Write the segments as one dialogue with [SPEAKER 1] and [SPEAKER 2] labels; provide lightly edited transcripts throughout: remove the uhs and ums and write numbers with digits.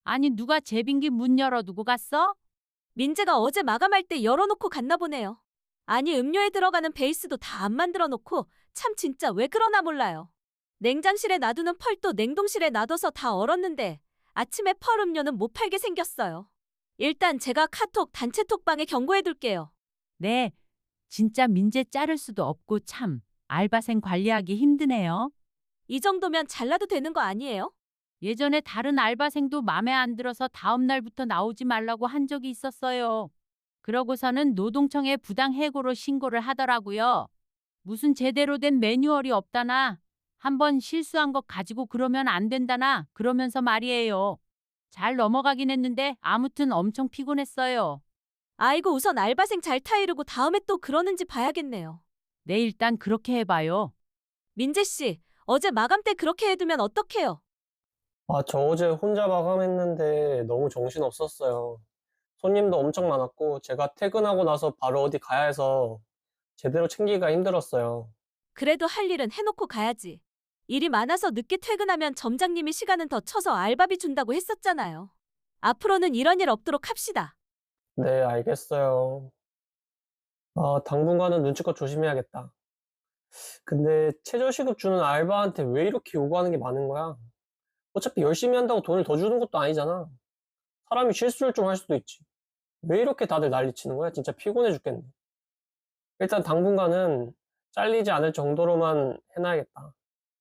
[SPEAKER 1] 아니, 누가 제빙기 문 열어두고 갔어?
[SPEAKER 2] 민재가 어제 마감할 때 열어놓고 갔나 보네요. 아니, 음료에 들어가는 베이스도 다 안 만들어 놓고 참 진짜 왜 그러나 몰라요. 냉장실에 놔두는 펄도 냉동실에 놔둬서 다 얼었는데 아침에 펄 음료는 못 팔게 생겼어요. 일단 제가 카톡 단체 톡방에 경고해둘게요.
[SPEAKER 1] 네, 진짜 민재 자를 수도 없고 참 알바생 관리하기 힘드네요.
[SPEAKER 2] 이 정도면 잘라도 되는 거 아니에요?
[SPEAKER 1] 예전에 다른 알바생도 맘에 안 들어서 다음 날부터 나오지 말라고 한 적이 있었어요. 그러고서는 노동청에 부당 해고로 신고를 하더라고요. 무슨 제대로 된 매뉴얼이 없다나, 한번 실수한 것 가지고 그러면 안 된다나 그러면서 말이에요. 잘 넘어가긴 했는데 아무튼 엄청 피곤했어요.
[SPEAKER 2] 아이고, 우선 알바생 잘 타이르고 다음에 또 그러는지 봐야겠네요.
[SPEAKER 1] 네, 일단 그렇게 해봐요.
[SPEAKER 2] 민재 씨, 어제 마감 때 그렇게 해두면 어떡해요?
[SPEAKER 3] 아, 저 어제 혼자 마감했는데 너무 정신없었어요. 손님도 엄청 많았고, 제가 퇴근하고 나서 바로 어디 가야 해서 제대로 챙기기가 힘들었어요.
[SPEAKER 2] 그래도 할 일은 해놓고 가야지. 일이 많아서 늦게 퇴근하면 점장님이 시간은 더 쳐서 알바비 준다고 했었잖아요. 앞으로는 이런 일 없도록 합시다.
[SPEAKER 3] 네, 알겠어요. 아, 당분간은 눈치껏 조심해야겠다. 근데 최저시급 주는 알바한테 왜 이렇게 요구하는 게 많은 거야? 어차피 열심히 한다고 돈을 더 주는 것도 아니잖아. 사람이 실수를 좀 할 수도 있지. 왜 이렇게 다들 난리치는 거야? 진짜 피곤해 죽겠네. 일단 당분간은 잘리지 않을 정도로만 해놔야겠다.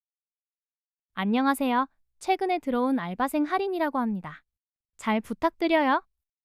[SPEAKER 4] 안녕하세요. 최근에 들어온 알바생 할인이라고 합니다. 잘 부탁드려요.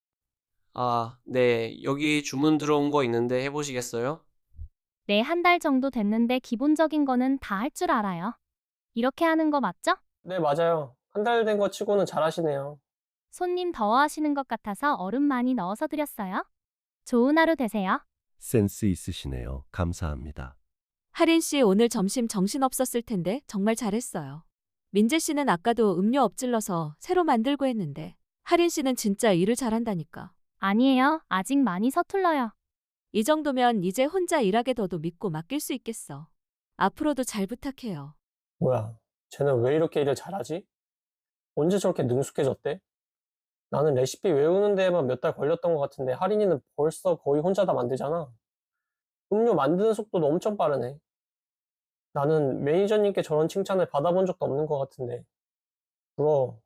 [SPEAKER 5] 아, 네. 여기 주문 들어온 거 있는데 해보시겠어요?
[SPEAKER 4] 네, 한 달 정도 됐는데 기본적인 거는 다 할 줄 알아요. 이렇게 하는 거 맞죠?
[SPEAKER 3] 네, 맞아요. 한 달 된 거 치고는 잘하시네요.
[SPEAKER 4] 손님 더워하시는 것 같아서 얼음 많이 넣어서 드렸어요. 좋은 하루 되세요.
[SPEAKER 6] 센스 있으시네요. 감사합니다.
[SPEAKER 2] 하린 씨 오늘 점심 정신없었을 텐데 정말 잘했어요. 민재 씨는 아까도 음료 엎질러서 새로 만들고 했는데 하린 씨는 진짜 일을 잘한다니까.
[SPEAKER 4] 아니에요. 아직 많이 서툴러요.
[SPEAKER 2] 이 정도면 이제 혼자 일하게 둬도 믿고 맡길 수 있겠어. 앞으로도 잘 부탁해요.
[SPEAKER 3] 뭐야, 쟤는 왜 이렇게 일을 잘하지? 언제 저렇게 능숙해졌대? 나는 레시피 외우는 데에만 몇 달 걸렸던 것 같은데 할인이는 벌써 거의 혼자 다 만들잖아. 음료 만드는 속도도 엄청 빠르네. 나는 매니저님께 저런 칭찬을 받아본 적도 없는 것 같은데. 부러워.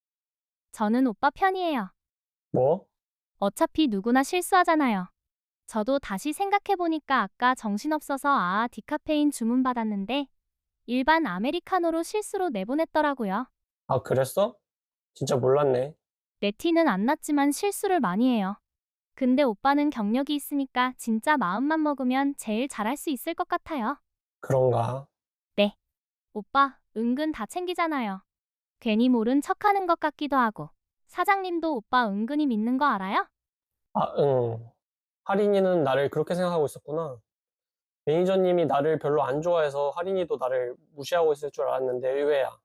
[SPEAKER 4] 저는 오빠 편이에요.
[SPEAKER 3] 뭐?
[SPEAKER 4] 어차피 누구나 실수하잖아요. 저도 다시 생각해보니까 아까 정신없어서 디카페인 주문받았는데 일반 아메리카노로 실수로 내보냈더라고요.
[SPEAKER 3] 아, 그랬어? 진짜 몰랐네.
[SPEAKER 4] 내 티는 안 났지만 실수를 많이 해요. 근데 오빠는 경력이 있으니까 진짜 마음만 먹으면 제일 잘할 수 있을 것 같아요.
[SPEAKER 3] 그런가?
[SPEAKER 4] 네. 오빠, 은근 다 챙기잖아요. 괜히 모른 척 하는 것 같기도 하고. 사장님도 오빠 은근히 믿는 거 알아요?
[SPEAKER 3] 아, 응. 할인이는 나를 그렇게 생각하고 있었구나. 매니저님이 나를 별로 안 좋아해서 할인이도 나를 무시하고 있을 줄 알았는데 의외야.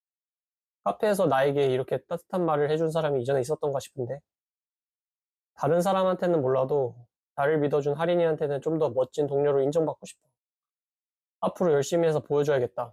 [SPEAKER 3] 카페에서 나에게 이렇게 따뜻한 말을 해준 사람이 이전에 있었던가 싶은데. 다른 사람한테는 몰라도 나를 믿어준 할인이한테는 좀 더 멋진 동료로 인정받고 싶어. 앞으로 열심히 해서 보여줘야겠다.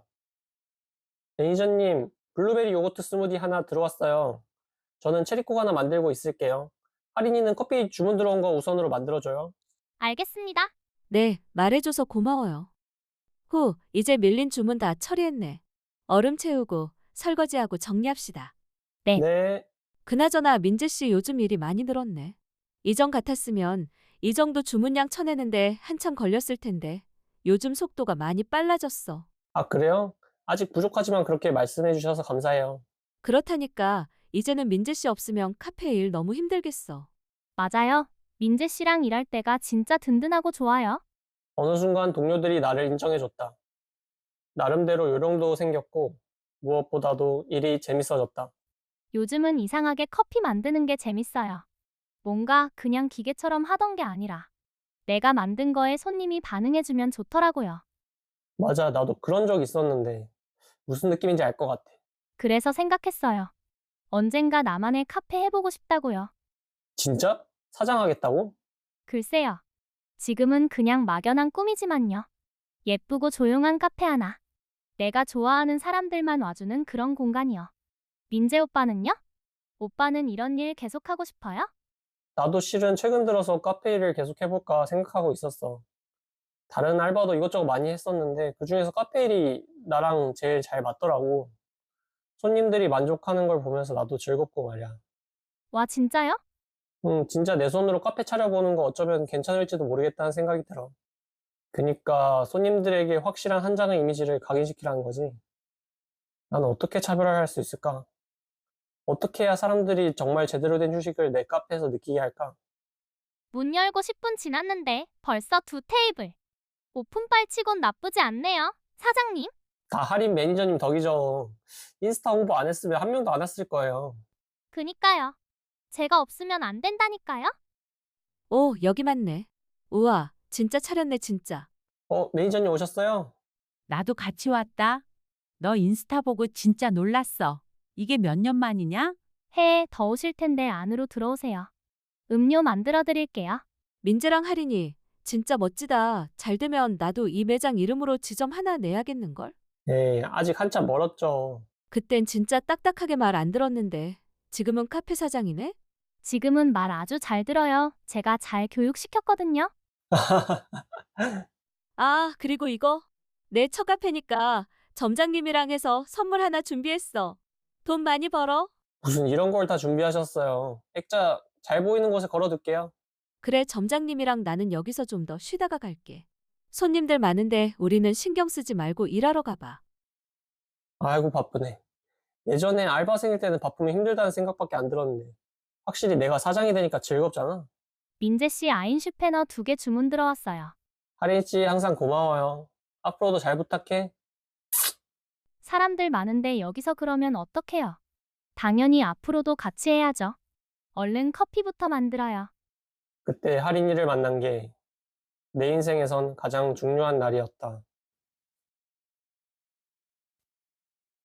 [SPEAKER 3] 매니저님, 블루베리 요거트 스무디 하나 들어왔어요. 저는 체리콕 하나 만들고 있을게요. 할인이는 커피 주문 들어온 거 우선으로 만들어줘요.
[SPEAKER 4] 알겠습니다.
[SPEAKER 2] 네, 말해줘서 고마워요. 후, 이제 밀린 주문 다 처리했네. 얼음 채우고 설거지하고 정리합시다.
[SPEAKER 4] 네.
[SPEAKER 3] 네.
[SPEAKER 2] 그나저나 민재 씨 요즘 일이 많이 늘었네. 이전 같았으면 이 정도 주문량 쳐내는데 한참 걸렸을 텐데 요즘 속도가 많이 빨라졌어.
[SPEAKER 3] 아, 그래요? 아직 부족하지만 그렇게 말씀해 주셔서 감사해요.
[SPEAKER 2] 그렇다니까 이제는 민재 씨 없으면 카페 일 너무 힘들겠어.
[SPEAKER 4] 맞아요. 민재 씨랑 일할 때가 진짜 든든하고 좋아요.
[SPEAKER 3] 어느 순간 동료들이 나를 인정해줬다. 나름대로 요령도 생겼고, 무엇보다도 일이 재밌어졌다.
[SPEAKER 4] 요즘은 이상하게 커피 만드는 게 재밌어요. 뭔가 그냥 기계처럼 하던 게 아니라 내가 만든 거에 손님이 반응해주면 좋더라고요.
[SPEAKER 3] 맞아, 나도 그런 적 있었는데, 무슨 느낌인지 알 것 같아.
[SPEAKER 4] 그래서 생각했어요. 언젠가 나만의 카페 해보고 싶다고요.
[SPEAKER 3] 진짜? 사장하겠다고?
[SPEAKER 4] 글쎄요. 지금은 그냥 막연한 꿈이지만요. 예쁘고 조용한 카페 하나. 내가 좋아하는 사람들만 와주는 그런 공간이요. 민재 오빠는요? 오빠는 이런 일 계속하고 싶어요?
[SPEAKER 3] 나도 실은 최근 들어서 카페 일을 계속 해볼까 생각하고 있었어. 다른 알바도 이것저것 많이 했었는데 그중에서 카페 일이 나랑 제일 잘 맞더라고. 손님들이 만족하는 걸 보면서 나도 즐겁고 말이야.
[SPEAKER 4] 와, 진짜요?
[SPEAKER 3] 진짜 내 손으로 카페 차려보는 거 어쩌면 괜찮을지도 모르겠다는 생각이 들어. 그니까 손님들에게 확실한 한 장의 이미지를 각인시키라는 거지. 나는 어떻게 차별화할 수 있을까? 어떻게 해야 사람들이 정말 제대로 된 휴식을 내 카페에서 느끼게 할까?
[SPEAKER 4] 문 열고 10분 지났는데 벌써 2테이블. 오픈빨 치곤 나쁘지 않네요. 사장님?
[SPEAKER 3] 다 할인 매니저님 덕이죠. 인스타 홍보 안 했으면 한 명도 안 왔을 거예요.
[SPEAKER 4] 그니까요. 제가 없으면 안 된다니까요?
[SPEAKER 2] 오, 여기 맞네. 우와, 진짜 차렸네, 진짜.
[SPEAKER 3] 매니저님 오셨어요?
[SPEAKER 1] 나도 같이 왔다. 너 인스타 보고 진짜 놀랐어. 이게 몇 년 만이냐?
[SPEAKER 4] 해에 더우실 텐데 안으로 들어오세요. 음료 만들어 드릴게요.
[SPEAKER 2] 민재랑 할인이 진짜 멋지다. 잘 되면 나도 이 매장 이름으로 지점 하나 내야겠는걸?
[SPEAKER 3] 네, 아직 한참 멀었죠.
[SPEAKER 2] 그땐 진짜 딱딱하게 말 안 들었는데 지금은 카페 사장이네?
[SPEAKER 4] 지금은 말 아주 잘 들어요. 제가 잘 교육시켰거든요.
[SPEAKER 2] 아, 그리고 이거 내 처카페니까 점장님이랑 해서 선물 하나 준비했어. 돈 많이 벌어?
[SPEAKER 3] 무슨 이런 걸 다 준비하셨어요. 액자 잘 보이는 곳에 걸어둘게요.
[SPEAKER 2] 그래, 점장님이랑 나는 여기서 좀 더 쉬다가 갈게. 손님들 많은데 우리는 신경 쓰지 말고 일하러 가봐.
[SPEAKER 3] 아이고, 바쁘네. 예전에 알바생일 때는 바쁘면 힘들다는 생각밖에 안 들었는데. 확실히 내가 사장이 되니까 즐겁잖아.
[SPEAKER 4] 민재 씨 아인슈페너 2개 주문 들어왔어요.
[SPEAKER 3] 할인 씨 항상 고마워요. 앞으로도 잘 부탁해.
[SPEAKER 4] 사람들 많은데 여기서 그러면 어떡해요? 당연히 앞으로도 같이 해야죠. 얼른 커피부터 만들어요.
[SPEAKER 3] 그때 할인이를 만난 게 내 인생에선 가장 중요한 날이었다.